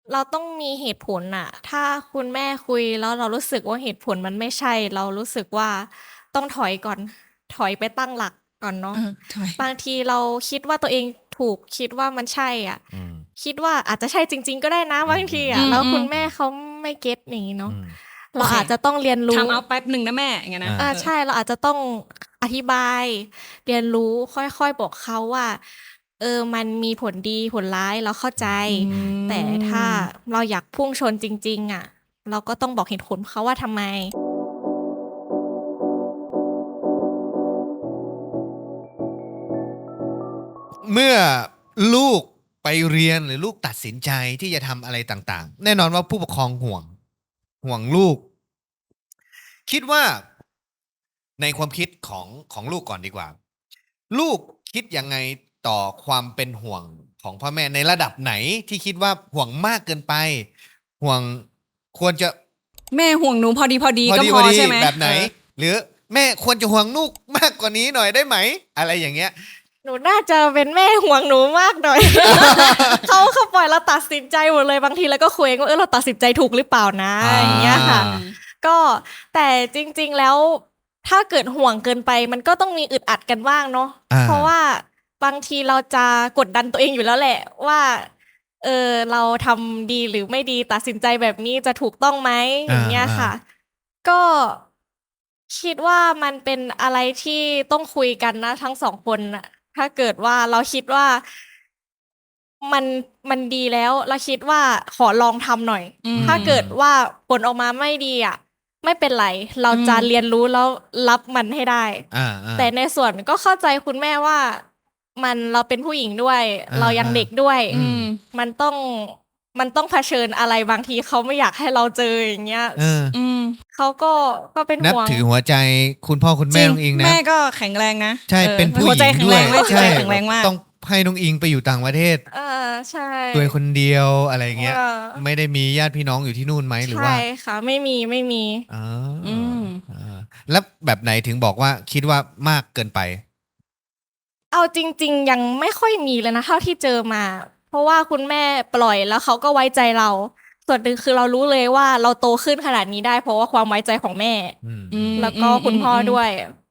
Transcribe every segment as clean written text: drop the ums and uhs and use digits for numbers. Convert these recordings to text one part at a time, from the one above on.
เราต้องมีเหตุผลน่ะ ถ้าคุณแม่คุยแล้วเรารู้สึกว่าเหตุผลมันไม่ใช่ เรารู้สึกว่าต้องถอยก่อน ถอยไปตั้งหลักก่อนเนาะถอยบางทีเราคิดว่าตัวเองถูก คิดว่ามันใช่อะอืมคิดว่าอาจจะใช่จริง ๆ ก็ได้นะ บางทีอะ แล้วคุณแม่เขาไม่เก็ตอย่างงี้เนาะ เราอาจจะต้องเรียนรู้ time out แป๊บหนึ่งนะแม่ อย่างเงี้ยนะใช่ เราอาจจะต้องอธิบาย เรียนรู้ ค่อย ๆ บอกเขาว่า มันมีผลดีผลร้าย เราเข้าใจ แต่ถ้าเราอยากพุ่งชนจริง ๆ อะ เราก็ต้องบอกเหตุผลเขาว่าทำไมเมื่อลูกไปเรียนหรือลูกตัดสินใจที่จะทำอะไรต่างๆ แน่นอนว่าผู้ปกครองห่วงลูก คิดว่าในความคิดของลูกก่อนดีกว่า ลูกคิดยังไงต่อความเป็นห่วงของพ่อแม่ในระดับไหนที่คิดว่าห่วงมากเกินไป ห่วงควรจะแม่ห่วงหนูพอดีก็พอใช่ไหมแบบไหน หรือแม่ควรจะห่วงลูกมากกว่านี้หน่อยได้ไหม อะไรอย่างเงี้ยหนูน่าจะเป็นแม่ห่วงหนูมากหน่อย เขาปล่อยเราตัดสินใจหมดเลย บางทีเราก็คุยว่าเราตัดสินใจถูกหรือเปล่านะ อย่างเงี้ยค่ะ ก็แต่จริง ๆ แล้วถ้าเกิดห่วงเกินไป มันก็ต้องมีอึดอัดกันบ้างเนาะ เพราะว่าบางทีเราจะกดดันตัวเองอยู่แล้วแหละว่า เราทำดีหรือไม่ดี ตัดสินใจแบบนี้จะถูกต้องไหม อย่างเงี้ยค่ะ ก็คิดว่ามันเป็นอะไรที่ต้องคุยกันนะทั้ง 2 คนน่ะ ถ้าเกิดว่าเราคิดว่ามันดีแล้ว เราคิดว่าขอลองทำหน่อย ถ้าเกิดว่าผลออกมาไม่ดีอะ ไม่เป็นไร เราจะเรียนรู้แล้วรับมันให้ได้ แต่ในส่วนก็เข้าใจคุณแม่ว่าเราเป็นผู้หญิงด้วย เรายังเด็กด้วย มันต้องเผชิญอะไรบางทีเขาไม่อยากให้เราเจอ อย่างเงี้ย เขาก็เป็นนับห่วงถือหัวใจคุณพ่อคุณแม่น้องอิงนะแม่ก็แข็งแรงนะใช่ เป็นผู้หหัวญิใจงแข็งด้แรวยงหัวใจใช่แข็งแรงมากต้องให้น้องอิงไปอยู่ต่างประเทศใช่ตัวคนเดียวอะไรเงี้ยเออไม่ได้มีญาติพี่น้องอยู่ที่นู่นไหมหรือว่าใช่ค่ะ ไม่มีอ๋อแล้วแบบไหนถึงบอกว่าคิดว่ามากเกินไปเอาจริง ๆ ยังไม่ค่อยมีเลยนะเท่าที่เจอมา เพราะว่าคุณแม่ปล่อยแล้วเขาก็ไว้ใจเรา ส่วนหนึ่งคือเรารู้เลยว่าเราโตขึ้นขนาดนี้ได้ เพราะว่าความไว้ใจของแม่ แล้วก็คุณพ่อด้วย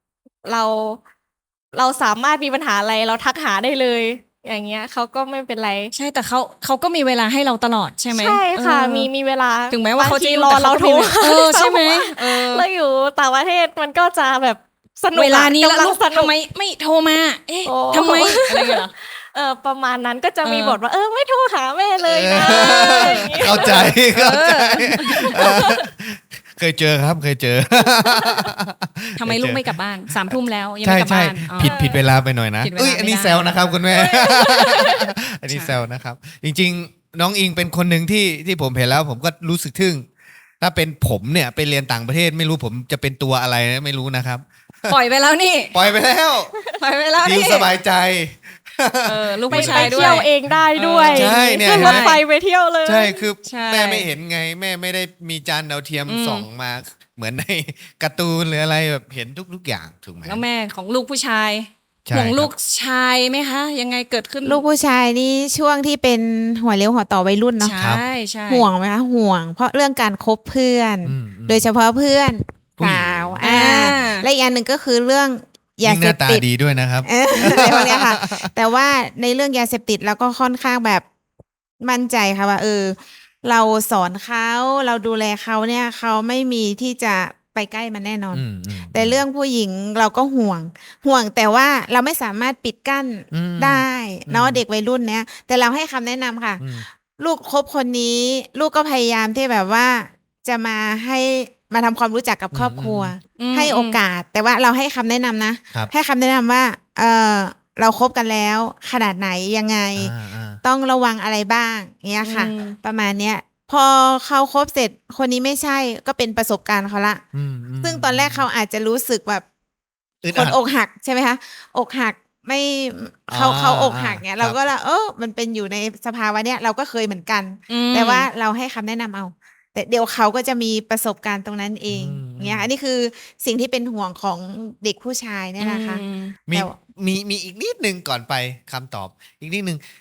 เราสามารถมีปัญหาอะไรเราทักหาได้เลย อย่างเงี้ยเขาก็ไม่เป็นไรใช่ แต่เขาก็มีเวลาให้เราตลอดใช่ไหมใช่ค่ะ มีเวลาถึงแม้ว่าเขาจะบงทียุ่งรอแต่เราเขาก็โทรมีใช่ไหมเราอยู่ต่างประเทศมันก็จะแบบสนุกเวลานี้แล้วกำลังลูกสนุทำกไมไม่โทรมา เอ๊ะโอ้ทำไมอะไรอย่างเงี้ยเหรอประมาณนั้นก็จะมีบทว่าไม่โทรหาแม่เลยนะ อย่างงี้เข้าใจเคยเจอครับเคยเจอทำไมลูกไม่กลับบ้าน3 ทุ่มแล้วยังใช่ไม่กลับใช่บ้านอ๋อผิดเวลาไปหน่อยนะผิดเวลาอันนี้ไม่ได้แซวนะครับคุณแม่ อันนี้แซวนะครับ จริงๆ น้องอิงเป็นคนหนึ่งที่ผมเห็นแล้ว ผมก็รู้สึกทึ่ง ถ้าเป็นผมเนี่ยไปเรียนต่างประเทศไม่รู้ผมจะเป็นตัวอะไรนะไม่รู้นะครับปล่อยไปแล้วนี่ปล่อยไปแล้วปล่อยไปแล้วดิวนี่สบายใจลูกไปผู้ชายด้วเที่ยยวเองได้ด้วยใช่เนี่ยขึ้นรถไฟไปเที่ยวเลยใช่คือใช่แม่ไม่เห็นไง แม่ไม่ได้มีจานดาวเทียมส่องมาเหมือนในการ์ตูนหรืออะไรแบบเห็นทุกอย่างถูกไหมแล้วแม่ของลูกผู้ชายใช่ห่วงครับลูกชายไหมคะ ยังไงเกิดขึ้นลูกผู้ชายนี่ช่วงที่เป็นหัวเลี้ยวหัวต่อวัยรุ่นเนาะใช่ใช่ห่วงไหมคะห่วง เพราะเรื่องการคบเพื่อน โดยเฉพาะเพื่อนผู้หญิงสาวและอีกอย่างหนึ่งก็คือเรื่องยายิ่งหเสน้าพตาติดดีด้วยนะครับอะไรพวกเนี้ยค่ะ แต่ว่าในเรื่องยาเสพติดเราก็ค่อนข้างแบบมั่นใจค่ะว่าเราสอนเขาเราดูแลเขาเนี่ยเขาไม่มีที่จะไปใกล้มันแน่นอน แต่เรื่องผู้หญิงเราก็ห่วงแต่ว่าเราไม่สามารถปิดกั้นได้เนาะเด็กวัยรุ่นเนี้ยแต่เราให้คำแนะนำค่ะ ลูกคบคนนี้ลูกก็พยายามที่แบบว่าจะมาทำความรู้จักกับครอบครัว ให้โอกาส แต่ว่าเราให้คำแนะนำนะครับให้คำแนะนำว่าเราคบกันแล้วขนาดไหนยังไง ต้องระวังอะไรบ้างเงี้ยค่ะ ประมาณเนี้ย พอเขาคบเสร็จคนนี้ไม่ใช่ก็เป็นประสบการณ์เขาละซึ่งตอนแรกเขาอาจจะรู้สึกแบบอึดคอันดอกหักใช่ไหมคะอกหักไม่เขาอกหักเนี่ยครับเราก็ละมันเป็นอยู่ในสภาวะเนี้ยเราก็เคยเหมือนกัน แต่ว่าเราให้คำแนะนำเอา แต่เดี๋ยวเขาก็จะมีประสบการณ์ตรงนั้นเองเนี่ยอันนี้คือสิ่งที่เป็นห่วงของเด็กผู้ชายเนี่ยนะคะมีแต่มีอีกนิดนึงก่อนไปคำตอบ อีกนิดนึง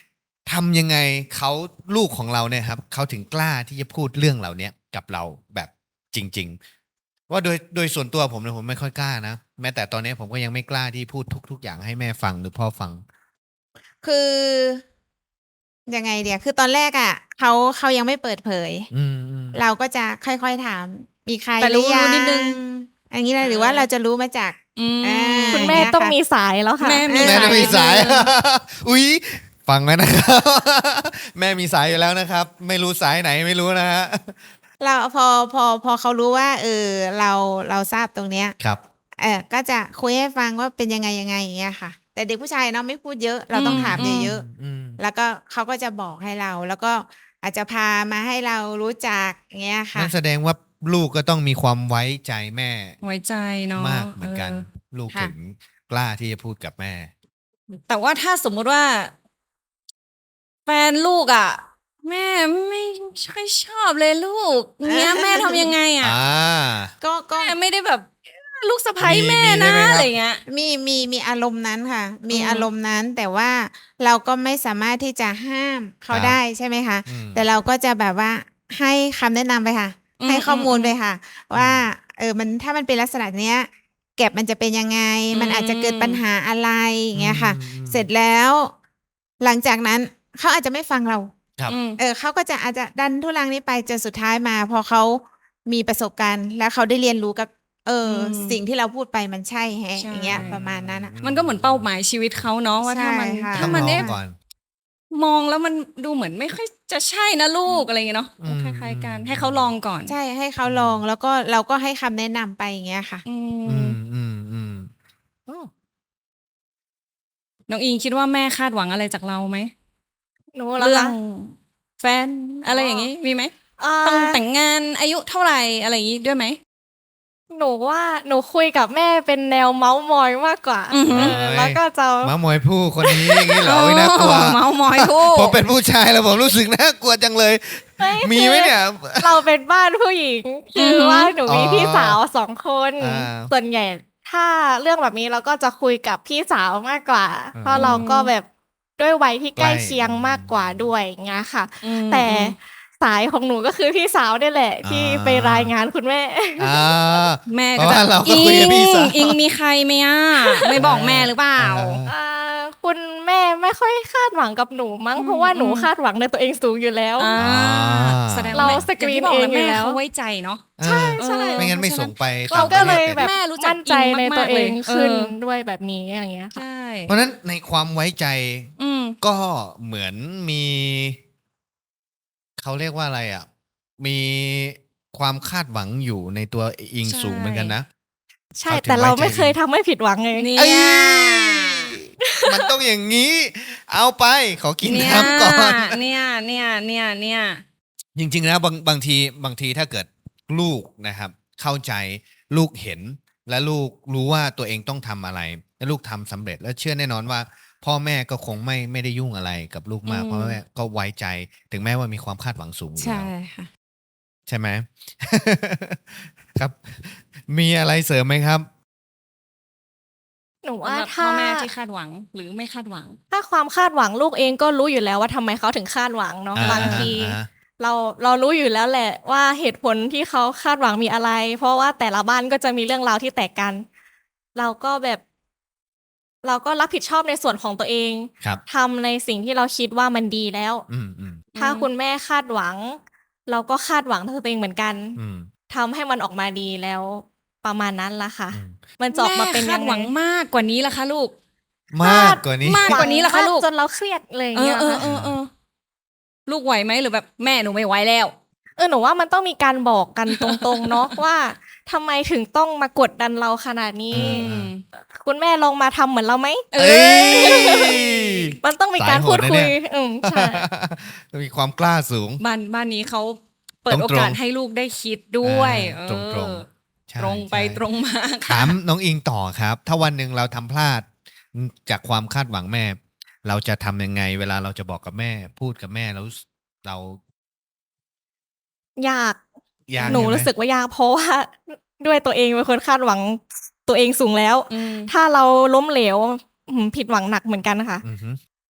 ทำยังไงเขาลูกของเราเนี่ยครับเขาถึงกล้าที่จะพูดเรื่องเหล่านี้กับเราแบบจริง ๆ ว่าโดยส่วนตัวผมเนี่ยผมไม่ค่อยกล้านะแม้แต่ตอนนี้ผมก็ยังไม่กล้าที่พูดทุกอย่างให้แม่ฟังหรือพ่อฟังคือยังไงเดียวคือตอนแรกอ่ะเขายังไม่เปิดเผยอืมเราก็จะค่อยๆถามมีใครแต่รู้หอยังนิดนึงอย่างนี้นะหรือว่าเราจะรู้มาจากอืมอ่าคุณแม่ต้องมีสายแล้วค่ะแม่มีแม่จะมีสายนิดนึงอุ๊ยฟังไว้นะครับ แม่มีสายอยู่แล้วนะครับ ไม่รู้สายไหนไม่รู้นะฮะเราพอเขารู้ว่าเราทราบตรงเนี้ยครับก็จะคุยให้ฟังว่าเป็นยังไงอย่างเงี้ยค่ะ แต่เด็กผู้ชายเนาะไม่พูดเยอะ เราต้องถามเยอะอืมๆแล้วก็เขาก็จะบอกให้เรา แล้วก็อาจจะพามาให้เรารู้จักอย่างเงี้ยค่ะนั่นแสดงว่าลูกก็ต้องมีความไว้ใจแม่ไว้ใจเนาะมากเหมือนกัน ลูกค่ะถึงกล้าที่จะพูดกับแม่แต่ว่าถ้าสมมุติว่า แฟนลูกอ่ะ แม่ไม่ค่อยชอบเลยลูกเนี้ยแม่ทำยังไงอ่ะก็แม่ไม่ได้แบบลูกสะใภ้มีแม่ใช่นะไหมครับอะไรเงี้ยมีอารมณ์นั้นค่ะ มีอืมอารมณ์นั้น แต่ว่าเราก็ไม่สามารถที่จะห้ามเขาครับได้ใช่ไหมคะอืมแต่เราก็จะแบบว่าให้คำแนะนำไปค่ะ ให้ข้อมูลไปค่ะ ว่ามันถ้ามันเป็นลักษณะเนี้ย เก็บมันจะเป็นยังไง มันอาจจะเกิดปัญหาอะไรอย่างเงี้ยค่ะ เสร็จแล้ว หลังจากนั้นเขาอาจจะไม่ฟังเราครับอืมเขาก็จะอาจจะดันทุลังนี้ไปจนสุดท้ายมา พอเขามีประสบการณ์ แล้วเขาได้เรียนรู้กับ สิ่งที่เราพูดไปมันใช่แฮะใช่อย่างเงี้ยประมาณนั้นอะมันก็เหมือนเป้าหมายชีวิตเขาเนาะว่าถ้ามันใช่ค่ะถ้ามันต้องลเอ๊ะองก่อนมองแล้วมันดูเหมือนไม่ค่อยจะใช่นะลูกอะไรเงี้ยเนาะอืมคล้ายๆกันให้เขาลองก่อนใช่ให้เขาลองแล้วก็เราก็ให้คำแนะนำไปอย่างเงี้ยค่ะอือืมมน้องอิงคิดว่าแม่คาดหวังอะไรจากเราไหมหนูเหรอเรื่อคะงแฟนอะไรอย่างงี้มีไหมอ่าต้องแต่งงานอายุเท่าไหร่อะไรอย่างงี้ด้วยไหมหนูว่าหนูคุยกับแม่เป็นแนวเมาส์มอยมากกว่าอือหือแล้วก็จะมามอยผู้คนนี้อย่างนี้เหรออุ๊ยน่ากลัวเมาส์มอยคู่ผมเป็นผู้ชายแล้วผมรู้สึกน่ากลัวจังเลย มีไหมเนี่ยเราเป็นบ้านผู้หญิง คือว่าหนูมีพี่สาว2 คนอ่าส่วนใหญ่ถ้าเรื่องแบบนี้เราก็จะคุยกับพี่สาวมากกว่าอืมเพราะเราก็แบบด้วยวัยที่ใกล้ใกล้เคียงมากกว่าด้วยอย่างเงี้ยค่ะอืมแต่สายของหนูก็คือพี่สาวนี่แหละ ที่ไปรายงานคุณแม่อ่าแม่เพก็ราะจะว่าเราก็คุยกับพี่สาวอิงมีใครไหมอ่ะไม่บอกแม่หรือเปล่าอ่าคุณแม่ไม่ค่อยคาดหวังกับหนูมั้งอืมเพราะว่าหนูคาดหวังในตัวเองสูงอยู่แล้วอ่าอ่าแสดงเราว่าแม่สกรีนย่าที่บเองอยู่แม่แล้วเขาไว้ใจเนาะใช่ใช่ไม่งั้นไม่ส่งไปเราก็เลยแบบแม่รู้จักมั่นใจในตัวเองอิงมากๆเลยขึ้นเออด้วยแบบนี้อย่างเงี้ยค่ะใช่เพราะฉะนั้นในความไว้ใจอืมก็เหมือนมีเขาเรียกว่าอะไรอ่ะ มีความคาดหวังอยู่ในตัวอิงใช่สูงเหมือนกันนะใช่เขาถึงแต่เราไว้ใจไม่เคยทำให้ผิดหวังเลยเนี่เอ้ยยมันต้องอย่างนี้ เอาไป ขอกินเนี่ยน้ำก่อนเนี่ยจริงๆแล้วบางทีถ้าเกิดลูกนะครับ เข้าใจลูกเห็น และลูกรู้ว่าตัวเองต้องทำอะไร และลูกทำสำเร็จ แล้วเชื่อแน่นอนว่า พ่อแม่ก็คงไม่ได้ยุ่งอะไรกับลูกมากอืมเพราะแม่ก็ไว้ใจ ถึงแม้ว่ามีความคาดหวังสูงอยู่ใช่แล้วค่ะใช่ไหม ครับ มีอะไรเสริมไหมครับหนูว่าสำหรับพ่ถ้าอแม่ที่คาดหวังหรือไม่คาดหวังถ้าความคาดหวังลูกเองก็รู้อยู่แล้วว่าทำไมเขาถึงคาดหวังเนาะอ่าบางทีอ่าเรารู้อยู่แล้วแหละว่าเหตุผลที่เขาคาดหวังมีอะไร เพราะว่าแต่ละบ้านก็จะมีเรื่องราวที่แตกกัน เราก็รับผิดชอบในส่วนของตัวเองครับทำในสิ่งที่เราคิดว่ามันดีแล้วอืมถ้าคุณแม่คาดหวัง เราก็คาดหวังตัวเองเหมือนกันอืมทำให้มันออกมาดีแล้ว ประมาณนั้นละค่ะอืมมันจะออกมาเป็นแม่คายัดงหไงวังมากกว่านี้ละคะลูกมากกว่านี้มากกว่านี้ล่ะคะลูกจนเราเครียดเลยอย่างเอเงี้อย เออลูกไหวไหมหรือแบบแม่หนูไม่ไหวแล้วหนูว่ามันต้องมีการบอกกันตรงๆ เนาะ ว่าทำไมถึงต้องมากดดันเราขนาดนี้อืมคุณแม่ลองมาทำเหมือนเราไหมเอเอ้ยยมันต้องมีการพูดคุย ใช่มีความกล้าสูงบ้านนี้เขาเปิดตรงๆโอกาสให้ลูกได้คิดด้วยตรงเออใช่ตรงไปใช่ตรงมาถามน้องอิงต่อครับ ถ้าวันหนึ่งเราทำพลาดจากความคาดหวังแม่ เราจะทำยังไง เวลาเราจะบอกกับแม่ พูดกับแม่แล้วเรายากยากหนูใช่ไมรู้สึกว่ายากเพราะว่าด้วยตัวเองเป็นคนคาดหวังตัวเองสูงแล้วอืมถ้าเราล้มเหลวผิดหวังหนักเหมือนกันค่ะอือฮึแต่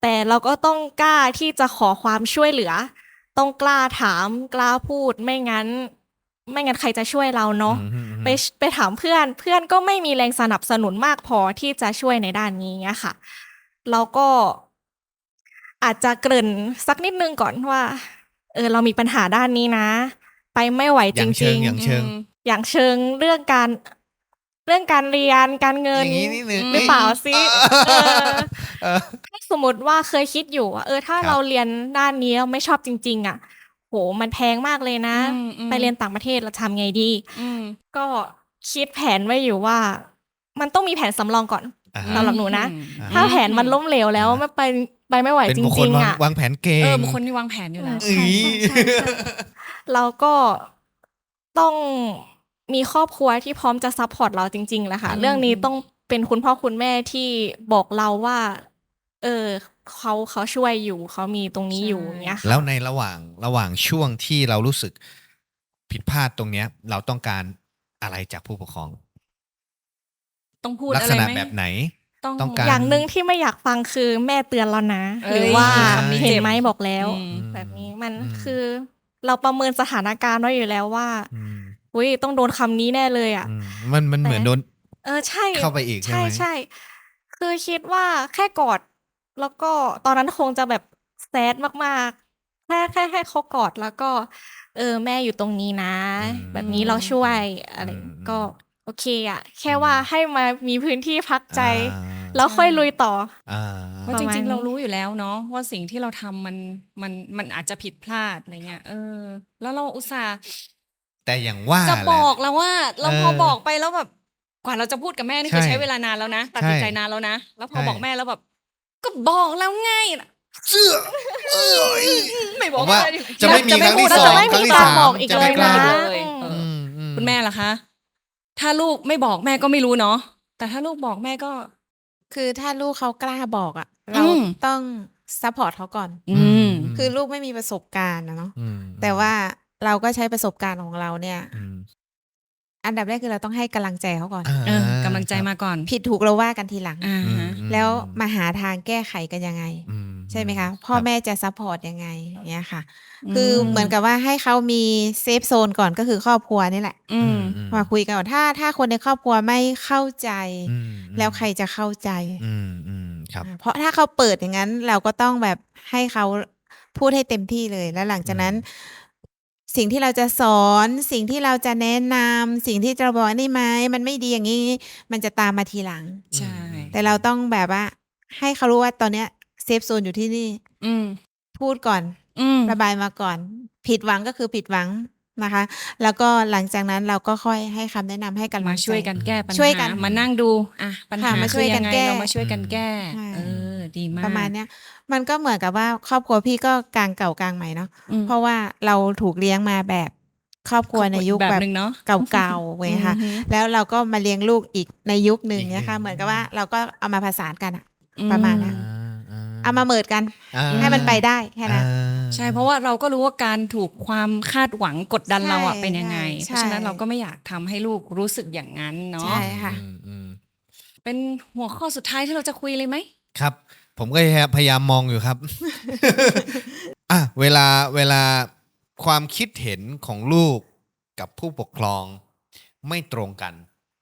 แต่เราก็ต้องกล้าที่จะขอความช่วยเหลือ ต้องกล้าถามกล้าพูดไม่งั้นใครจะช่วยเราเนาะ ไปถามเพื่อนก็ไม่มีแรงสนับสนุนมากพอที่จะช่วยในด้านนี้เงี้ยค่ะเราก็อาจจะเกริ่นสักนิดนึงก่อนว่าเรามีปัญหาด้านนี้นะ ไปไม่ไหวอจย่างเชิริงงอย่างเชิงๆ อย่างเชิงเรื่องการเรียนการเงินอย่างนี้นิดนึงหรือเปล่าซิเออถ้าสมมติว่าเคยคิดอยู่ว่าถ้าครับเราเรียนด้านนี้แล้วไม่ชอบจริง ๆ อ่ะ โหมันแพงมากเลยนะ ไปเรียนต่างประเทศเราทำไงดี ก็คิดแผนไว้อยู่ว่า มันต้องมีแผนสำรองก่อนอ่าสำหรับหนูนะอ่าถ้าแผนมันล้มเหลวแล้วไม่ไปไม่ไหวเป็นจบุคคริลง ๆ อ่ะวางแผนเก่งบุคคลที่วางแผนอยู่แล้วเอ้ยใช่เราก็ต้องมีครอบครัวที่พร้อมจะซัพพอร์ตเราจริงๆแหละค่ะอืมเรื่องนี้ต้องเป็นคุณพ่อคุณแม่ที่บอกเราว่า เขาช่วยอยู่เขามีตรงนี้อยู่อย่างเงี้ยค่ะแล้วในระหว่างช่วงที่เรารู้สึกผิดพลาดตรงเนี้ย เราต้องการอะไรจากผู้ปกครองต้องพูดลักอะไรษณะไหมแบบไหนต้องต้องการอย่างหนึ่งที่ไม่อยากฟังคือแม่เตือนแล้วนะเอ้ยหรือว่าคำนี้เห็นเจ็บไหมบอกแล้วอืมแบบนี้มันอืมคือเราประเมินสถานการณ์ไว้อยู่แล้วว่าอืมอุ้ยต้องโดนคำนี้แน่เลยอ่ะอืมมันเหมือนโดนใช่เข้าไปอีกใช่ไหมใช่คือคิดว่าแค่กอด แล้วก็ตอนนั้นคงจะแบบแซดมากๆแค่ให้เขากอดแล้วก็แม่อยู่ตรงนี้นะ แบบนี้เราช่วยอะไรก็โอเคอ่ะ แค่ว่าให้มามีพื้นที่พักใจ แล้วค่อยลุยต่ออ่าเพราะประจมาณริงนี้ๆ เรารู้อยู่แล้วเนาะว่าสิ่งที่เราทำมันอาจจะผิดพลาดอะไรเงี้ยแล้วเราอุตส่าห์แต่อย่างว่าจะแหละบอกแล้วว่า เราเออพอบอกไปแล้วแบบกว่าเราจะพูดกับแม่นี่คือใช่ใช้เวลานานแล้วนะตัดสินใจใช่นานแล้วนะ แล้วพอใช่บอกแม่แล้วแบบ ก็บอกแล้วไงเสื้อเอ้ยไม่บอกผมว่าแม่ดิจะไม่มีครั้งที่เราสอจะงไม่ครั้งมีที่การสามบอกอีกจะเลไม่ยกล้านะบอกเลยอืมคุณแม่ล่ะคะ ถ้าลูกไม่บอกแม่ก็ไม่รู้เนาะแต่ถ้าลูกบอกแม่ก็คือถ้าลูกเขากล้าบอกอ่ะ เราอืมต้องซัพพอร์ตเขาก่อน คือลูกไม่มีประสบการณ์นะเนาะอืมแต่ว่าเราก็ใช้ประสบการณ์ของเราเนี่ยอืมอันดับแรกคือเราต้องให้กำลังใจเขาก่อนกำลังใจมาก่อนผิดถูกเราว่ากันทีหลังอ่าอืมฮะแล้วมาหาทางแก้ไขกันยังไงอืมใช่ไหมคะ พ่อรับแม่จะซัพพอร์ตยังไงอย่างเงี้ยค่ะอืมคือเหมือนกับว่าให้เขามีเซฟโซนก่อนก็คือครอบครัวนี่แหละอืมมาคุยกันก่อนถ้าคนในครอบครัวไม่เข้าใจอืมแล้วใครจะเข้าใจครับเพราะถ้าเขาเปิดอย่างนั้น เราก็ต้องแบบให้เขาพูดให้เต็มที่เลย แล้วหลังจากนั้น สิ่งที่เราจะสอนสิ่งที่เราจะแนะนำสิ่งที่จะบอกนี่ไหมมันไม่ดีอย่างนี้ มันจะตามมาทีหลังใช่แต่เราต้องแบบว่า ให้เขารู้ว่าตอนเนี้ยเซฟโซนอยู่ที่นี่อืมพูดก่อนอืมระบายมาก่อน ผิดหวังก็คือผิดหวังนะคะ แล้วก็หลังจากนั้นเราก็ค่อยให้คำแนะนำให้กันมาช่วยกันแก้ปัญหาช่วยกันมานั่งดูปัญหาค่ะมาช่วยกันคือแก้เรามาช่วยกันแก้ใช่ดีมากประมาณเนี้ยมันก็เหมือนกับว่าครอบครัวพี่ก็กลางเก่ากลางใหม่เนาะอืมเพราะว่าเราถูกเลี้ยงมาแบบครอบครัวในยุคแบบแบบหนึ่งเนาะเก่าๆเว้ยค่ะอือฮึแล้วเราก็มาเลี้ยงลูกอีกในยุคหนึ่งอีกเนี่ยค่ะหนึ่งเหมือนกับว่าเราก็เอามาผสานกันอะ ประมาณนั้น เอามาเมิดกันอ่าให้มันไปได้แค่นั้นใช่เพราะว่าเราก็รู้ว่าการถูกความคาดหวังกดดันใช่เราเป็นยังไงใช่เพราะฉะนั้นเราก็ไม่อยากทำให้ลูกรู้สึกอย่างนั้นเนาะใช่ค่ะเป็นหัวข้อสุดท้ายที่เราจะคุยเลยไหมครับ ผมก็พยายามมองอยู่ครับ อ่ะเวลาความคิดเห็นของลูกกับผู้ปกครองไม่ตรงกัน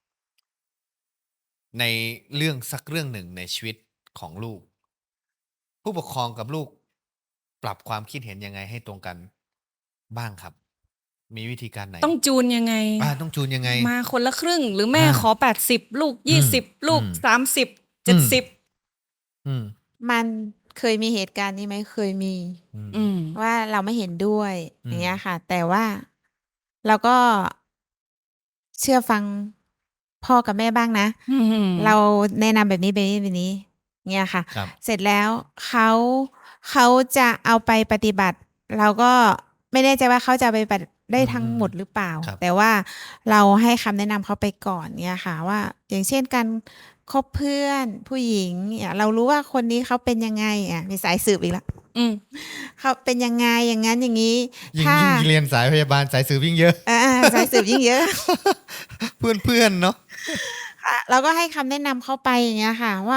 ในเรื่องสักเรื่องหนึ่งในชีวิตของลูก ผู้ปกครองกับลูก ปรับความคิดเห็นยังไงให้ตรงกันบ้างครับ มีวิธีการไหนต้องจูนยังไงต้องจูนยังไงมาคนละครึ่ง หรือแม่อ่าขอ80ลูก20ลูกอืม 30 70 อืมมันเคยมีเหตุการณ์นี้ไหมเคยมีอืมว่าเราไม่เห็นด้วยอืมอย่างเงี้ยค่ะ แต่ว่าเราก็เชื่อฟังพ่อกับแม่บ้างนะ เราแนะนำแบบนี้แบบนี้แบบนี้เงี้ยค่ะครับเสร็จแล้วเขาจะเอาไปปฏิบัติ เราก็ไม่แน่ใจว่าเขาจะเอาไปปฏิบัติได้ทั้งหมดหรือเปล่าครับแต่ว่าเราให้คำแนะนำเขาไปก่อนเนี่ยค่ะ ว่าอย่างเช่นการคบเพื่อนผู้หญิงเนี่ยเรารู้ว่าคนนี้เขาเป็นยังไงมีสายสืบอีกแล้วอืมเขาเป็นยังไงอย่างนั้นอย่างนี้ยิ่งถ้าเรียนสายพยาบาลสายสืบยิ่งเยอะสายสืบยิ่งเยอะเพื่อนเนาะค่ะเราก็ให้คำแนะนำเขาไปอย่างเงี้ยค่ะ ว่าแต่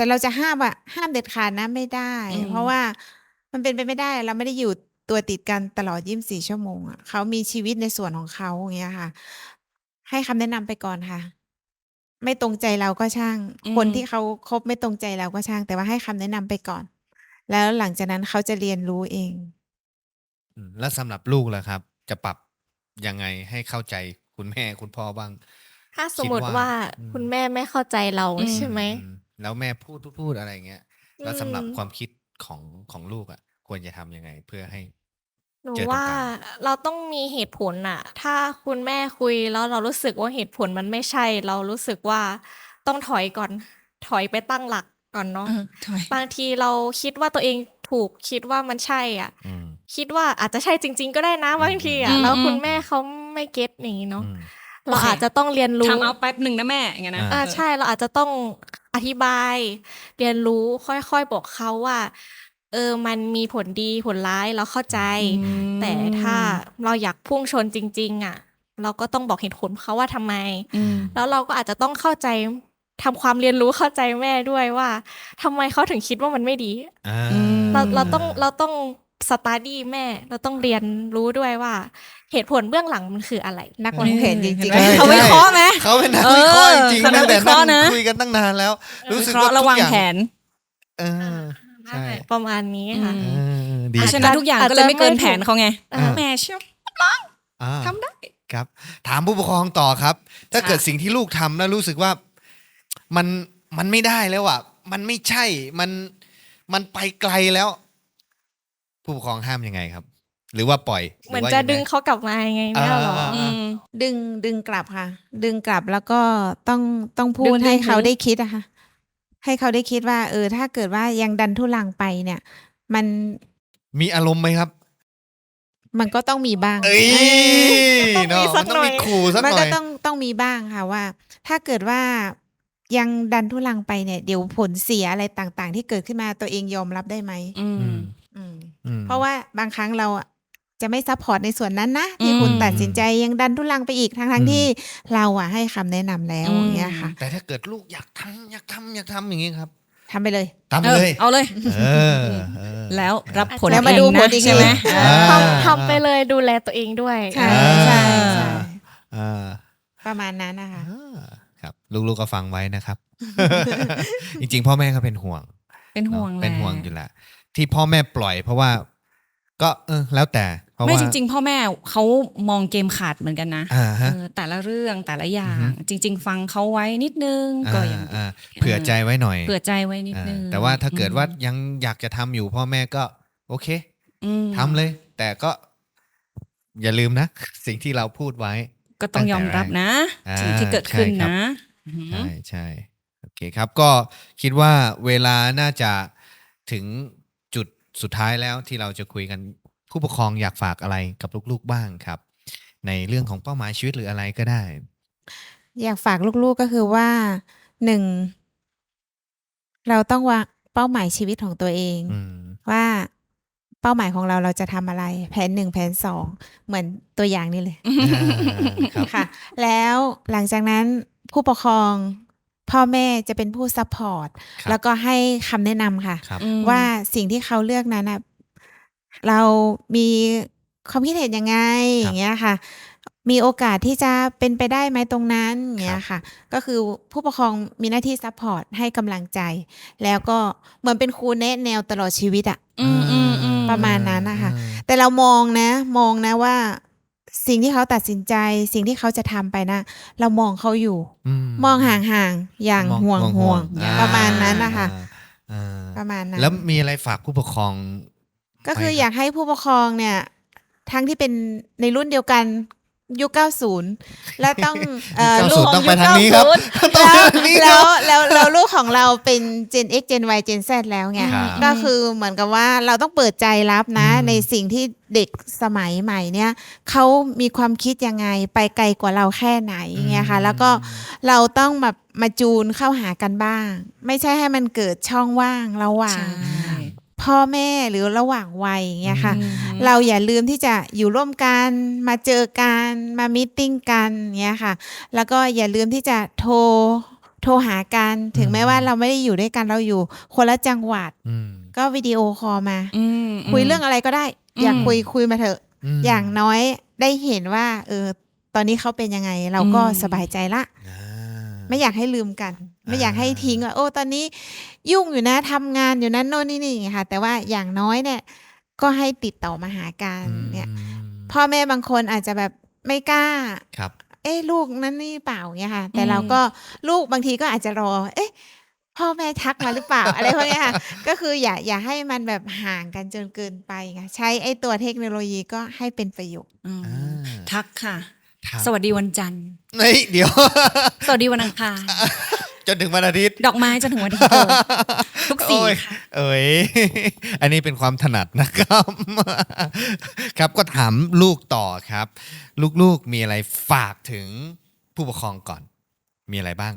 แต่เราจะห้ามเด็ดขาดนะไม่ได้ เพราะว่ามันเป็นไปไม่ได้เราไม่ได้อยู่ตัวติดกันตลอด24 ชั่วโมงอ่ะเขามีชีวิตในส่วนของเขาอย่างเงี้ยค่ะ ให้คำแนะนำไปก่อนค่ะ ไม่ตรงใจเราก็ช่าง คนที่เขาคบไม่ตรงใจเราก็ช่าง แต่ว่าให้คำแนะนำไปก่อน แล้วหลังจากนั้นเขาจะเรียนรู้เองแล้วสำหรับลูกล่ะครับ จะปรับยังไงให้เข้าใจคุณแม่คุณพ่อบ้างถ้าสมมติว่าคุณแม่ไม่เข้าใจเราใช่ไหมแล้วแม่พูดอะไรเงี้ย แล้วสำหรับความคิดของลูกอ่ะ ควรจะทำยังไงเพื่อให้หนูเจอตรงว่ากลางเราต้องมีเหตุผลน่ะ ถ้าคุณแม่คุยแล้วเรารู้สึกว่าเหตุผลมันไม่ใช่ เรารู้สึกว่าต้องถอยก่อน ถอยไปตั้งหลักก่อนเนาะถอยบางทีเราคิดว่าตัวเองถูกคิดว่ามันใช่อ่ะอืมคิดว่าอาจจะใช่จริง ๆ ก็ได้นะบางทีอ่ะ แล้วคุณแม่เขาไม่เก็ตอย่างนี้เนาะอืมเราอาจจะต้องเรียนรู้ทำเอาแป๊บหนึ่งนะแม่อย่างเงี้ยนะใช่เราอาจจะต้องอธิบาย เรียนรู้ค่อยๆบอกเขาว่า มันมีผลดีผลร้ายเราเข้าใจ แต่ถ้าเราอยากพุ่งชนจริง ๆ อ่ะ เราก็ต้องบอกเหตุผลเขาว่าทำไม แล้วเราก็อาจจะต้องเข้าใจทำความเรียนรู้เข้าใจแม่ด้วยว่าทำไมเขาถึงคิดว่ามันไม่ดีอ่าเราต้องสตาร์ดี้แม่ เราต้องเรียนรู้ด้วยว่าเหตุผลเบื้องหลังมันคืออะไรนักวางแผนจริงเห็นๆไหมเขาวิเคราะห์ไหมเขาเป็นนักวิเคราะห์จริงเขาๆนัตั้กงแต่วิเคราะห์นั่นะงคุยกันตั้งนานแล้ว รู้สึกวิเคราะว่าห์ระวังทุกอย่แผนเออใช่ประมาณนี้ค่ะดีเพราะฉะคนั้รันบทุกอย่างก็เลยไม่เกินแผนเขาไงอ่าแม่เชื่ออ่าทำได้ครับ ถามผู้ปกครองต่อครับ ถ้าเกิดสิ่งที่ลูกทำแล้วรู้สึกว่ามันไม่ได้แล้วอ่ะ มันไม่ใช่มันไปไกลแล้ว ผู้ปกครองห้ามยังไงครับ หรือว่าปล่อยเหมือนรือว่าจะยังไงดึงเขากลับมาไงแม่หรออ่าดึงกลับค่ะ ดึงกลับแล้วก็ต้องพูดึดงให้เขาถึงได้คิดอะค่ะ ให้เขาได้คิดว่า ถ้าเกิดว่ายังดันทุลังไปเนี่ย มันมีอารมณ์ไหมครับมันก็ต้องมีบ้างเอ้ยต้องมีเนาะสัมักนต้องหน่มีอยขู่สักมันหน่ก็อยต้องมีบ้างค่ะว่า ถ้าเกิดว่ายังดันทุลังไปเนี่ย เดี๋ยวผลเสียอะไรต่างๆ ที่เกิดขึ้นมาตัวเองยอมรับได้ไหมอืมอืมอืมเพราะว่าบางครั้งเราอะจะไม่ซัพพอร์ตในส่วนนั้นนะที่อืมคุณตัดสินใจยังดันทุลังไปอีกทั้งที่เราอะให้คำแนะนำแล้วอืมอย่างเงี้ยค่ะแต่ถ้าเกิดลูกอยากทำอย่างนี้ครับทำไปเลยทำไปเลยเอาเลยเออเออแล้วรับผลแล้วมาดูผลอีกใช่ไหมทีอ่าทำไปเลยดูแลตัวเองด้วยใช่อ่าใช่อ่าประมาณนั้นนะคะครับ ลูกๆก็ฟังไว้นะครับ จริงๆ พ่อแม่ก็เป็นห่วงเป็นห่วงเนอะแหละเป็นห่วงอยู่แหละที่พ่อแม่ปล่อย เพราะว่า ก็แล้วแต่เพราะไม่ว่าจริง ๆ พ่อแม่เขามองเกมขาดเหมือนกันนะฮะแต่ละเรื่องแต่ละอย่าอืงอฮึจริง ๆ ฟังเขาไว้นิดนึงก็ยังดีเผื่อใจไว้หน่อยเผื่อใจไว้นิดนึงแต่ว่าถ้าเกิดว่ายังอยากจะทำอยู่พ่อแม่ก็ โอเคอืมทำเลย แต่ก็ อย่าลืมนะ สิ่งที่เราพูดไว้ก็ต้องยอมรับนะอ่าสิ่งที่เกิดขึ้นใช่ครับนะใช่ใช่โอเคครับ ก็คิดว่าเวลาน่าจะถึงจุดสุดท้ายแล้วที่เราจะคุยกันผู้ปกครองอยากฝากอะไรกับลูกๆบ้างครับ ในเรื่องของเป้าหมายชีวิตหรืออะไรก็ได้อยากฝากลูกๆก็คือว่าหนึ่งเราต้องวางเป้าหมายชีวิตของตัวเองอืมว่าเป้าหมายของเราจะทำอะไร แผน 1 แผน 2 เหมือนตัวอย่างนี้เลยครับค่ะ แล้วหลังจากนั้นผู้ปกครองพ่อแม่จะเป็นผู้ซัพพอร์ตครับแล้วก็ให้คำแนะนำค่ะครับว่าสิ่งที่เขาเลือกนั้นนะเรามีความคิดเห็นยังไงอย่างเงี้ยค่ะ มีโอกาสที่จะเป็นไปได้ไหมตรงนั้นอย่างเงี้ยค่ะ ก็คือผู้ปกครองมีหน้าที่ซัพพอร์ตให้กำลังใจ แล้วก็เหมือนเป็นครูแนะแนวตลอดชีวิตอะ ประมาณนั้นนะคะ แต่เรามองนะว่าสิ่งที่เขาตัดสินใจ สิ่งที่เขาจะทำไปนะ เรามองเขาอยู่ มองห่างๆอย่างห่วงอ่ประมาณนั้นนะคะอ่าประมาณนั้นแล้วมีอะไรฝากผู้ปกครองก็คือไหมครับอยากให้ผู้ปกครองเนี่ย ทั้งที่เป็นในรุ่นเดียวกันยุค 90 และต้อง 90 ลูกต้องไปทางนี้ครับ ต้องไปทางนี้คแล้รัวบแล้วลูกของเราเป็น Gen X Gen Y Gen Z แล้วไงครับก็คือเหมือนกับว่าเราต้องเปิดใจรับนะอืมในสิ่งที่เด็กสมัยใหม่เนี่ยเขามีความคิดยังไงไปไกลกว่าเราแค่ไหนอย่างเงี้ยค่ะ แล้วก็เราต้องแบบมาจูนเข้าหากันบ้าง ไม่ใช่ให้มันเกิดช่องว่างระหว่าง พ่อแม่หรือระหว่างวัยอย่างเงี้ยค่ะ เราอย่าลืมที่จะอยู่ร่วมกันมาเจอกันมามีตติ้งกันเงี้ยค่ะ แล้วก็อย่าลืมที่จะโทโทรหากันถึงแม้ว่าเราไม่ได้อยู่ด้วยกันเราอยู่คนละจังหวัดอืมก็วิดีโอคอลมาอืมคุยเรื่องอะไรก็ได้ อยากคุยมาเถอะมอย่างน้อยได้เห็นว่าตอนนี้เขาเป็นยังไง เราก็สบายใจละอ่าไม่อยากให้ลืมกัน ไม่อยากให้ทิ้งว่าโอ้ตอนนี้ยุ่งอยู่นะทำงานอยู่นั้นโน่นนี่ค่ะ แต่ว่าอย่างน้อยเนี่ย ก็ให้ติดต่อมาหากันเนี่ย พ่อแม่บางคนอาจจะแบบไม่กล้าครับลูกนั่นนี่เปล่าเนี่ยค่ะ แต่เราก็ลูกบางทีก็อาจจะรอ พ่อแม่ทักมาหรือเปล่า อะไรพวกเนี้ยค่ะ ก็คืออย่าให้มันแบบห่างกันจนเกินไปค่ะใช้ไอ้ตัวเทคโนโลยีก็ให้เป็นประโยชน์อืมอ่าทักค่ะครับสวัสดีวันจันทร์เฮ้ยเดี๋ยวสวัสดีวันอังคารจนถึงวันอาทิตย์ดอกไม้จนถึงวันอาทิตย์ ทุกสีโอ้ยค่ะเอ้ย อันนี้เป็นความถนัดนะครับ ครับก็ถามลูกต่อครับ ลูกๆมีอะไรฝากถึงผู้ปกครองก่อน มีอะไรบ้าง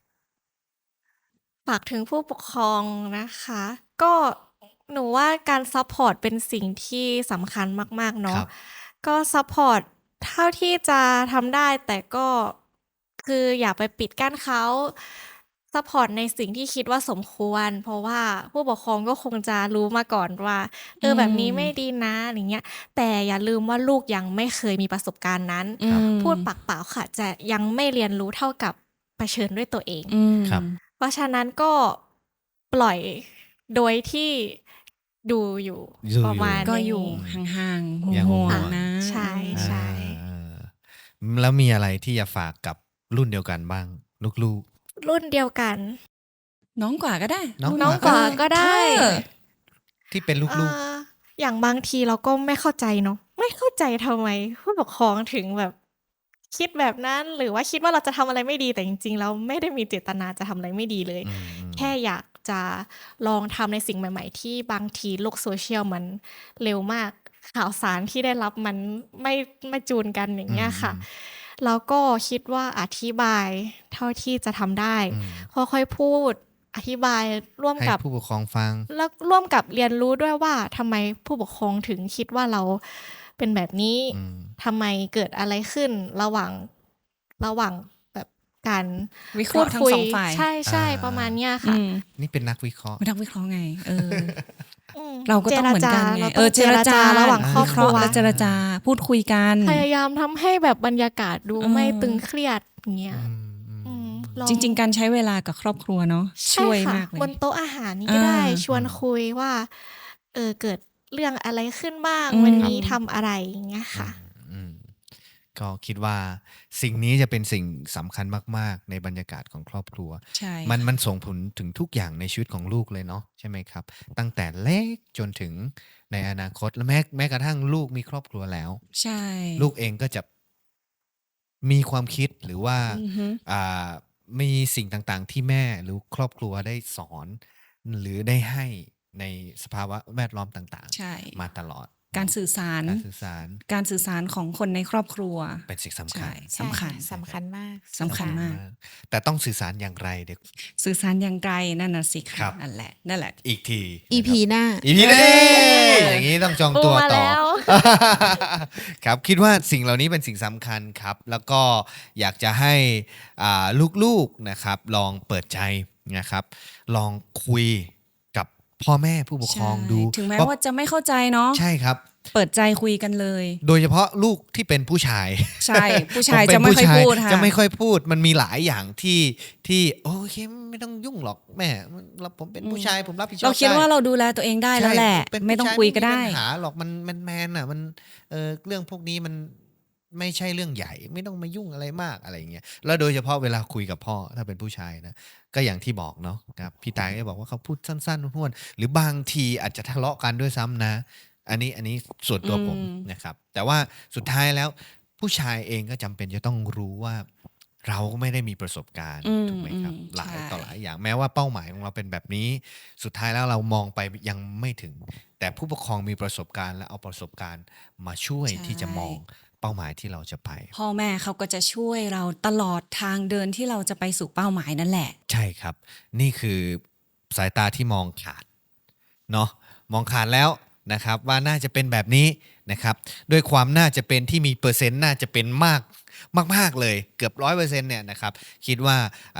ฝากถึงผู้ปกครองนะคะ ก็หนูว่าการซัพพอร์ตเป็นสิ่งที่สำคัญมากๆคเนาะรับก็ซัพพอร์ตเท่าที่จะทำได้ แต่ก็คืออย่าไปปิดกั้นเขาซัพพอร์ตในสิ่งที่คิดว่าสมควร เพราะว่าผู้ปกครองก็คงจะรู้มาก่อนว่าแบบนี้ไม่ดีนะอย่างเงี้ย แต่อย่าลืมว่าลูกยังไม่เคยมีประสบการณ์นั้นอืมพูดปากเปล่าค่ะ จะยังไม่เรียนรู้เท่ากับเผชิญด้วยตัวเองอืมครับเพราะฉะนั้นก็ปล่อยโดยที่ดูอยู่ดูอยู่ประมาณก็นี้อยู่ห่างๆอย่างห่วห่วงงๆนะใช่ใช่อ่าแล้วมีอะไรที่จะฝากกับรุ่นเดียวกันบ้าง ลูกรุ่นเดียวกันน้องกว่าก็ได้น้องน้องกว่าก็ได้เออๆ ที่เป็นลูกอย่างบางทีเราก็ไม่เข้าใจเนาะไม่เข้าใจทำไมผู้ปกครองถึงแบบคิดแบบนั้น หรือว่าคิดว่าเราจะทำอะไรไม่ดีแต่จริงๆเราไม่ได้มีเจตนาจะทำอะไรไม่ดีเลยอืมแค่อยากจะลองทำในสิ่งใหม่ ๆ ที่บางทีโลกโซเชียลมันเร็วมากข่าวสารที่ได้รับมันไม่จูนกันอย่างเงี้ยค่ะ แล้วก็คิดว่าอธิบายเท่าที่จะทำได้อืมค่อยๆพูด อธิบายร่วมให้กับผู้ปกครองฟังแล้วร่วมกับเรียนรู้ด้วยว่าทำไมผู้ปกครองถึงคิดว่าเราเป็นแบบนี้อืมทำไมเกิดอะไรขึ้นระหว่างแบบการวิเคพูราะดห์ทั้งคุยสองฝ่ายใช่ใช่อ่าประมาณเนี้ยอืค่ะมนี่เป็นนักวิเคราะห์ไม่ต้องวิเคราะห์ไง เอออืมเราก็ต้องเหมือนกันไงเราต้องเจรจาระหว่างครอบครัววิเาะห์และเจรจาพูดคุยกันพยายามทำให้แบบบรรยากาศดูอืมไม่ตึงเครียดอย่างเงี้ยอืมอืมอืมลอจริง ๆ การใช้เวลากับครอบครัวเนาะใช่วยค่ะมากเลยบนโต๊ะอาหารนี่ก็ได้อ่าชวนคุยว่า เกิดเรื่องอะไรขึ้นบ้างอืมวันนี้ทำอะไรอย่างเงี้ยค่ะอืมก็คิดว่าสิ่งนี้จะเป็นสิ่งสำคัญมากๆ ในบรรยากาศของครอบครัวใช่มันส่งผลถึงทุกอย่างในชีวิตของลูกเลยเนาะใช่ไหมครับ ตั้งแต่เล็กจนถึงในอนาคตและแม้กระทั่งลูกมีครอบครัวแล้วใช่ลูกเองก็จะมีความคิดหรือว่าอือฮึมีสิ่งต่างๆ ที่แม่หรือครอบครัวได้สอน หรือได้ให้ในสภาวะแวดล้อมต่างใช่ๆ มาตลอดการสื่อสารการสื่อสารการสื่อสารของคนในครอบครัวเป็นสิ่งสำคัใช่ญสำคัญใช่ะสำคัญมากสำคัญมากแต่ต้องสื่อสารอย่างไรเดี๋ยวสื่อสารอย่างไกลนั่นน่ะสิครัค่ะบนั่นแหละอีกที EP หน้าอีพีเอ้นี้ยอย่างนี้ต้องจองปูตัวมาต่อแล้วครับคิดว่าสิ่งเหล่านี้เป็นสิ่งสำคัญครับ แล้วก็อยากจะให้ลูกๆนะครับ ลองเปิดใจนะครับ ลองคุยกับพ่อแม่ผู้ปกครองดูใช่ถึงแม้ว่าจะไม่เข้าใจเนาะใช่ครับเปิดใจคุยกันเลยโดยเฉพาะลูกที่เป็นผู้ชายใช่ ผู้ชายผเป็จะนไม่ผู้ค่อยชาพูดค่ะจะไม่ค่อยพูดมันมีหลายอย่างที่โอเคไม่ต้องยุ่งหรอกแม่ผมเป็นผู้ชายผมรับผิดชอบเราคิดได้ว่าเราดูแลตัวเองได้แล้วแหละใช่เป็นไม่ต้องผู้ชาคุยก็ได้ม่มีปัญหาหรอกมันแมนอ่ะมันเรื่องพวกนี้มันไม่ใช่เรื่องใหญ่ไม่ต้องมายุ่งอะไรมากอะไรอย่างเงี้ยแล้วโดยเฉพาะเวลาคุยกับพ่อถ้าเป็นผู้ชายนะก็อย่างที่บอกเนาะครับพี่ตายก็บอกว่าเขาพูดสั้นๆห้วนๆหรือบางทีอาจจะทะเลาะกันด้วยซ้ำนะ อันนี้ส่วนตัวผมอืมนะครับ แต่ว่าสุดท้ายแล้วผู้ชายเองก็จำเป็นจะต้องรู้ว่า เราก็ไม่ได้มีประสบการณ์อืมถูกไหมครับอืมหลายใช่ต่อหลายอย่างแม้ว่าเป้าหมายของเราเป็นแบบนี้ สุดท้ายแล้วเรามองไปยังไม่ถึง แต่ผู้ปกครองมีประสบการณ์และเอาประสบการณ์มาช่วยที่จะมองเป้าหมายที่เราจะไปพ่อแม่เขาก็จะช่วยเราตลอดทางเดินที่เราจะไปสู่เป้าหมายนั่นแหละใช่ครับ นี่คือสายตาที่มองขาดเนาะมองขาดแล้วนะครับ ว่าน่าจะเป็นแบบนี้นะครับด้วยความน่าจะเป็นที่มีเปอร์เซ็นต์น่าจะเป็นมากเลยเกือบ 100% เนี่ยนะครับคิดว่าลูก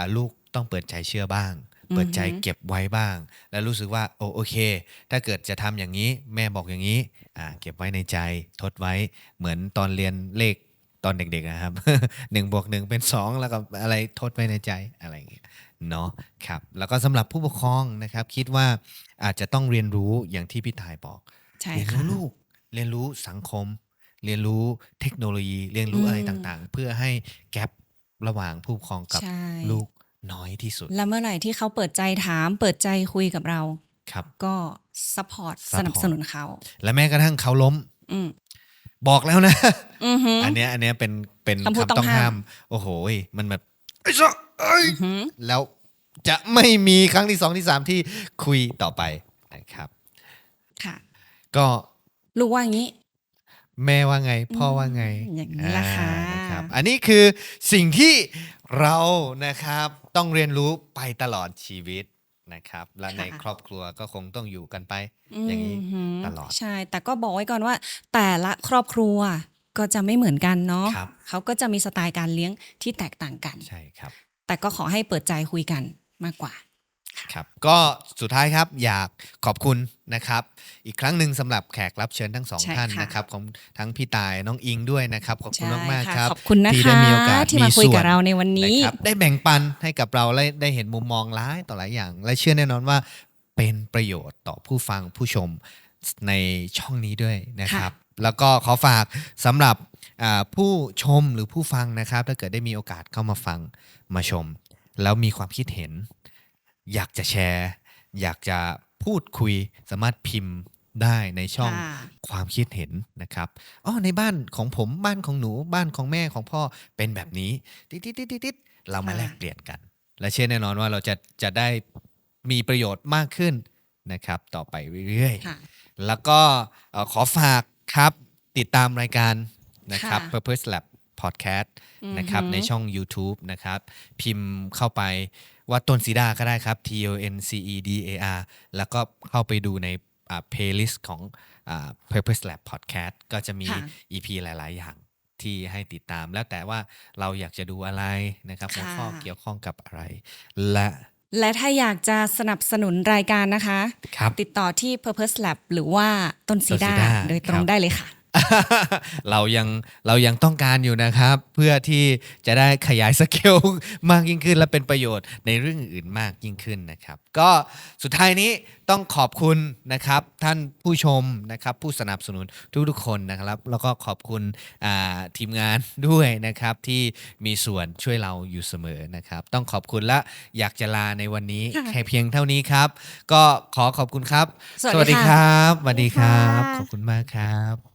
ต้องเปิดใจเชื่อบ้าง เปิดใจเก็บไว้บ้าง แล้วรู้สึกว่าโอเค ถ้าเกิดจะทำอย่างนี้แม่บอกอย่างนี้เก็บไว้ในใจทดไว้เหมือนตอนเรียนเลขตอนเด็กๆนะครับ 1+1 เป็น 2แล้วก็อะไรทดไว้ในใจอะไรอย่างเงี้ยเนาะครับแล้วก็สำหรับผู้ปกครองนะครับคิดว่าอาจจะต้องเรียนรู้อย่างที่พี่ทายบอกใช่เรียนค่ะรู้ลูกเรียนรู้สังคม เรียนรู้เทคโนโลยีเรียนรู้อะไรต่างๆ เพื่อให้แกประหว่างผู้ปกครองกับใช่ลูกน้อยที่สุดแล้วเมื่อไหร่ที่เขาเปิดใจถาม เปิดใจคุยกับเราครับก็ซัพพอร์ต Support สนับสนุนเขาและแม้กระทั่งเขาล้มอืมบอกแล้วนะอือหืออันเนี้ยเป็นคำพูดคำต้ต้ออง งห้าห้าม ม โอ้โหมันแบบไอ้สัสเอ้ยอือหือแล้วจะไม่มีครั้งที่2ที่3ที่คุยต่อไปนะครับค่ะก็ลูกว่าอย่างนี้แม่ว่าไง พ่อว่าไงอย่างนี้ล่ะค่ะนะครับอันนี้คือสิ่งที่เรานะครับต้องเรียนรู้ไปตลอดชีวิตนะครับ และในครอบครัวก็คงต้องอยู่กันไป อย่างนี้หืตลอดใช่ แต่ก็บอกไว้ก่อนว่า แต่ละครอบครัวก็จะไม่เหมือนกันเนาะครับเขาก็จะมีสไตล์การเลี้ยงที่แตกต่างกันใช่ครับแต่ก็ขอให้เปิดใจคุยกันมากกว่าครับก็สุดท้ายครับอยากขอบคุณนะครับ อีกครั้งหนึ่งสำหรับแขกรับเชิญทั้งสองใช่ท่านค่ะนะครับของทั้งพี่ตายน้องอิงด้วยนะครับขอบคุณใช่มากๆค่ะครับขอบคุณนะที่คะได้มีโอกาสที่มาคุยกับส่วนเราในวันนี้นะครับได้แบ่งปันให้กับเราและได้เห็นมุมมองหลายต่อหลายอย่าง และเชื่อแน่นอนว่าเป็นประโยชน์ต่อผู้ฟังผู้ชมในช่องนี้ด้วยนะครับ แล้วก็ขอฝากสำหรับผู้ชมหรือผู้ฟังนะครับ ถ้าเกิดได้มีโอกาสเข้ามาฟังมาชม แล้วมีความคิดเห็น อยากจะแชร์ อยากจะพูดคุยสามารถพิมพ์ได้ในช่องค่ะความคิดเห็นนะครับในบ้านของผมบ้านของหนูบ้านของแม่ของพ่อเป็นแบบนี้ติดๆเรามาแลกเปลี่ยนกัน และเชื่อแน่นอนว่าเราจะได้มีประโยชน์มากขึ้นนะครับ ต่อไปเรื่อยค่ะๆ แล้วก็ขอฝากครับติดตามรายการนะครับค่ะ Purpose Lab Podcast นะครับในช่อง YouTube นะครับ พิมพ์เข้าไปว่าต้นสีดาก็ได้ครับ TONCEDAR แล้วก็เข้าไปดูในplaylist ของPurpose Lab Podcast ก็จะมีค่ะ EP หลายๆ อย่างที่ให้ติดตามแล้วแต่ว่าเราอยากจะดูอะไรนะครับหัวข้อเกี่ยวข้องกับอะไร และและถ้าอยากจะสนับสนุนรายการนะคะครับติดต่อที่ Purpose Lab หรือว่าต้นซีต้นสีดาดาโดยตรคงรับได้เลยค่ะเรายังต้องการอยู่นะครับ เพื่อที่จะได้ขยายสเกลมากยิ่งขึ้น และเป็นประโยชน์ในเรื่องอื่นมากยิ่งขึ้นนะครับ ก็สุดท้ายนี้ต้องขอบคุณนะครับท่านผู้ชมนะครับผู้สนับสนุนทุกๆคนนะครับ แล้วก็ขอบคุณทีมงานด้วยนะครับที่มีส่วนช่วยเราอยู่เสมอนะครับ ต้องขอบคุณและอยากจะลาในวันนี้ค่ะแค่เพียงเท่านี้ครับ ก็ขอขอบคุณครับสวัสดีค่ะครับสวัสดีครับสวัสดีขค่ะอบคุณมากครับ